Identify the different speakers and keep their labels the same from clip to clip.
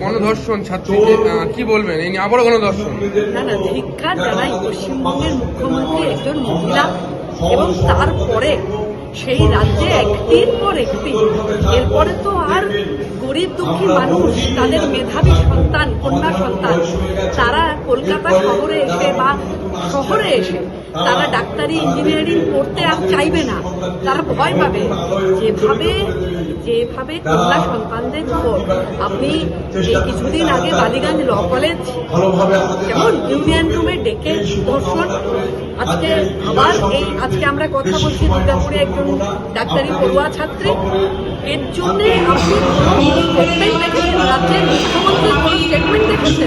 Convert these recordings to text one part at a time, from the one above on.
Speaker 1: গণধর্ষণ ছাত্রীদের কি বলবেন এই নিয়ে আবারও গণধর্ষণ?
Speaker 2: না না, ধিক্কার জানাই পশ্চিমবঙ্গের মুখ্যমন্ত্রী একজন মহিলা এবং তারপরে সেই রাজ্যে একটির পর একটি, এরপরে তো আর গরিব দুঃখী মানুষ তাদের মেধাবী সন্তান, কন্যা সন্তান, তারা কলকাতা শহরে এসে বা শহরে এসে তারা ডাক্তারি ইঞ্জিনিয়ারিং পড়তে আর চাইবে না, তারা ভয় পাবে। যেভাবে কন্যা সন্তানদের উপর আপনি এই কিছুদিন আগে বালিগঞ্জ ল কলেজ যেমন ইউনিয়ন রুমে ডেকে ধর্ষণ, আজকে আমরা কথা বলছি দুর্গাপুরে একজন ডাক্তারি পড়ুয়া ছাত্রী, এর জন্য আপনি স্টেটমেন্ট দেখেছেন? রাজ্যের মুখ্যমন্ত্রীর কোন স্টেটমেন্ট দেখেছেন?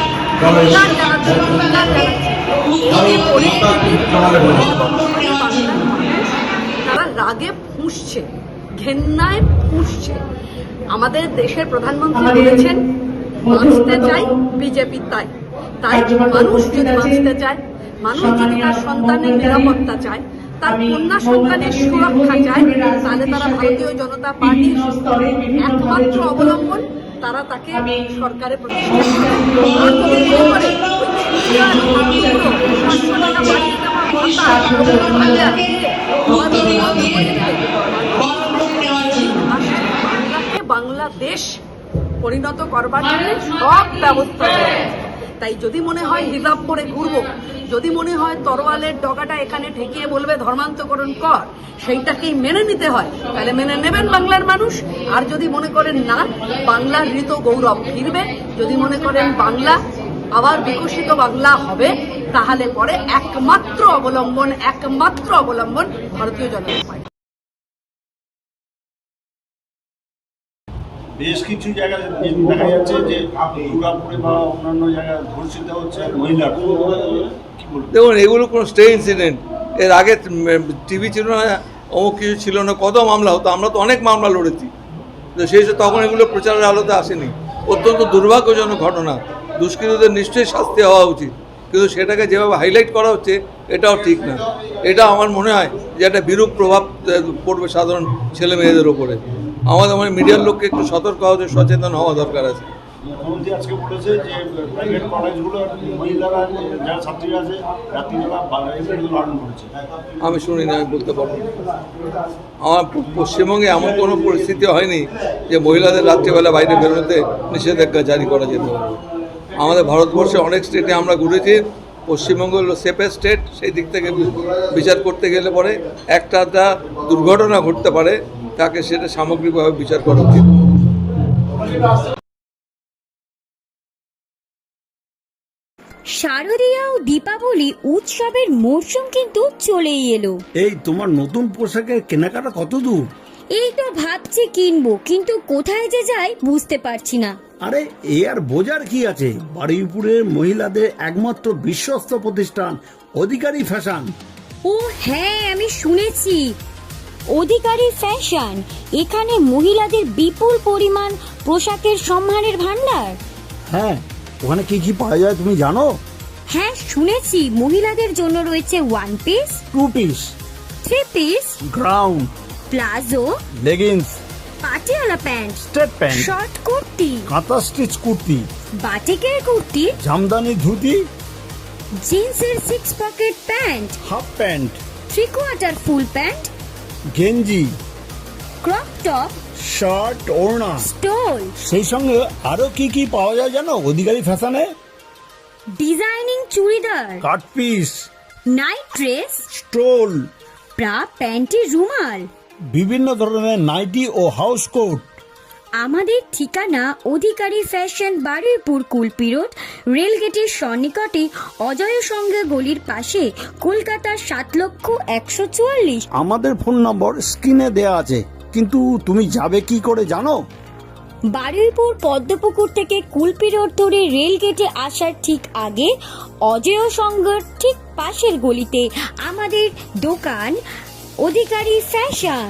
Speaker 2: তারা রাগে ফুঁসছে, ঘেন্নায় ফুঁসছে। আমাদের দেশের প্রধানমন্ত্রী বলেছেন বাঁচতে চাই বিজেপি, তাই মানুষ যদি বাঁচতে চায়, মানুষ যদি তার সন্তানের নিরাপত্তা চায়, তার কন্যা সন্তানের সুরক্ষা চায়, তাহলে তারা ভারতীয় জনতা পার্টির একমাত্র অবলম্বন, তারা তাকে সরকারে প্রতিষ্ঠা করে। বাংলাদেশ পরিণত করবার জন্য সব ব্যবস্থা রয়েছে। তাই যদি মনে হয় হিজাব করে ঘুরবো, যদি মনে হয় তরোয়ালের ডগাটা এখানে ঠেকিয়ে বলবে ধর্মান্তকরণ কর, সেইটাকেই মেনে নিতে হয়, তাহলে মেনে নেবেন বাংলার মানুষ। আর যদি মনে করেন না, বাংলার ঋত গৌরব ফিরবে, যদি মনে করেন বাংলা আবার বিকশিত বাংলা হবে, তাহলে পরে একমাত্র অবলম্বন ভারতীয় জনতা পার্টি।
Speaker 3: বেশ কিছু জায়গায় দেখা যাচ্ছে যে দুর্গাপুরে বা অন্যান্য জায়গায় ধর্ষিত হচ্ছে মহিলা।
Speaker 4: দেখুন, এগুলো কোনো স্টে ইনসিডেন্ট। এর আগে টিভি ছিল না, অমুক কিছু ছিল না, কত মামলা হতো, আমরা তো অনেক মামলা লড়েছি, তো সেই তখন এগুলো প্রচারের আলোতে আসেনি। অত্যন্ত দুর্ভাগ্যজনক ঘটনা, দুষ্কৃতীদের নিশ্চয়ই শাস্তি হওয়া উচিত, কিন্তু সেটাকে যেভাবে হাইলাইট করা হচ্ছে এটাও ঠিক না। এটা আমার মনে হয় যে একটা বিরূপ প্রভাব পড়বে সাধারণ ছেলে মেয়েদের ওপরে। আমাদের মিডিয়ার লোককে একটু সতর্ক হওয়া, সচেতন হওয়া দরকার আছে।
Speaker 3: মুখ্যমন্ত্রী আজকে বলেছে যে প্রাইভেট কলেজগুলো মহিলারা যারা ছাত্রীরা আছে রাত্রিবেলা লালন করেছে।
Speaker 4: আমি শুনিনি, আমি বলতে পারবো না। আমার পশ্চিমবঙ্গে এমন কোনো পরিস্থিতি হয়নি যে মহিলাদের রাত্রিবেলা বাইরে বেরোতে নিষেধাজ্ঞা জারি করা যেতে পারে। আমাদের ভারতবর্ষে অনেক স্টেটে আমরা ঘুরেছি, পশ্চিমবঙ্গ হলো সেফেস্ট স্টেট। সেই দিক থেকে বিচার করতে গেলে পরে একটা দুর্ঘটনা ঘটতে পারে, তাকে সেটা সামগ্রিকভাবে বিচার করা উচিত।
Speaker 5: শারদীয়া ও দীপাবলি উৎসবের মরশুম কিন্তু চলেই এলো।
Speaker 6: এই তোমার নতুন পোশাকের কেনাকাটা কত দূর?
Speaker 5: এই তো ভাবছি কিনবো, কিন্তু কোথায় যে যাই বুঝতে পারছি না।
Speaker 6: আরে এ আর বোঝার কি আছে, বারুইপুরের মহিলাদের একমাত্র বিশ্বস্ত প্রতিষ্ঠান অধিকারী ফ্যাশন।
Speaker 5: ও হ্যাঁ, আমি শুনেছি অধিকারী ফ্যাশন। এখানে মহিলাদের বিপুল পরিমাণ পোশাকের সম্মানের ভান্ডার।
Speaker 6: হ্যাঁ, ওখানে কি কি পাওয়া যায় তুমি জানো?
Speaker 5: হ্যাঁ শুনেছি, মহিলাদের জন্য রয়েছে 1 piece,
Speaker 6: 2 piece,
Speaker 5: 3 piece,
Speaker 6: ground,
Speaker 5: palazzo,
Speaker 6: leggings,
Speaker 5: Patiala pant,
Speaker 6: straight pant,
Speaker 5: short kurti,
Speaker 6: kantha stitch kurti,
Speaker 5: বাটিকের কুর্তি,
Speaker 6: জামদানি ধুতি,
Speaker 5: জিন্সের 6 pocket pant,
Speaker 6: half pant,
Speaker 5: 3/4 full pant,
Speaker 6: গেঞ্জি,
Speaker 5: ক্রপ টপ,
Speaker 6: শার্ট, ওড়না,
Speaker 5: স্টোল।
Speaker 6: সেই সঙ্গে আরো কি কি পাওয়া যায় জানো অধিকারী ফ্যাশনে?
Speaker 5: Designing churidar,
Speaker 6: cut piece,
Speaker 5: night dress,
Speaker 6: stole,
Speaker 5: bra, panty, রুমাল,
Speaker 6: বিভিন্ন ধরনের নাইটি ও হাউস কোট।
Speaker 5: আমাদের ঠিকানা অধিকারী ফ্যাশন, বারুইপুর কুলপি রোড, রেলগেটের সন্নিকটে, অজয় সঙ্গে গলির পাশে, কলকাতা ৭,১৪৪।
Speaker 6: আমাদের ফোন নম্বর স্ক্রিনে দেয়া আছে, কিন্তু তুমি যাবে কি করে জানো?
Speaker 5: বারুইপুর পদ্মপুকুর থেকে কুলপি রোড ধরে রেলগেটে আসার ঠিক আগে, অজয় সংঘর ঠিক পাশের গলিতে আমাদের দোকান অধিকারী ফ্যাশন।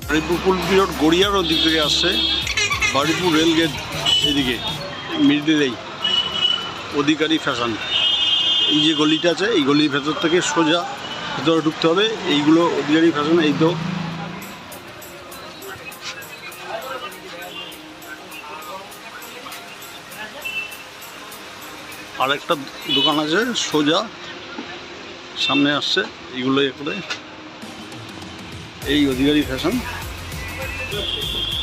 Speaker 3: বারুইপুর কুলপি রোড গড়িয়ার ওদিক থেকে আসছে, বারুইপুর রেলগেট এদিকে মিডিলেই অধিকারী ফ্যাশন, এই যে গলিটা আছে এই গলির ভেতর থেকে সোজা ভেতরে ঢুকতে হবে। এইগুলো অধিকারী ফ্যাশন, এই তো আর একটা দোকান আছে সোজা সামনে আসছে, এইগুলো করে এই অধিকারী ফ্যাশন।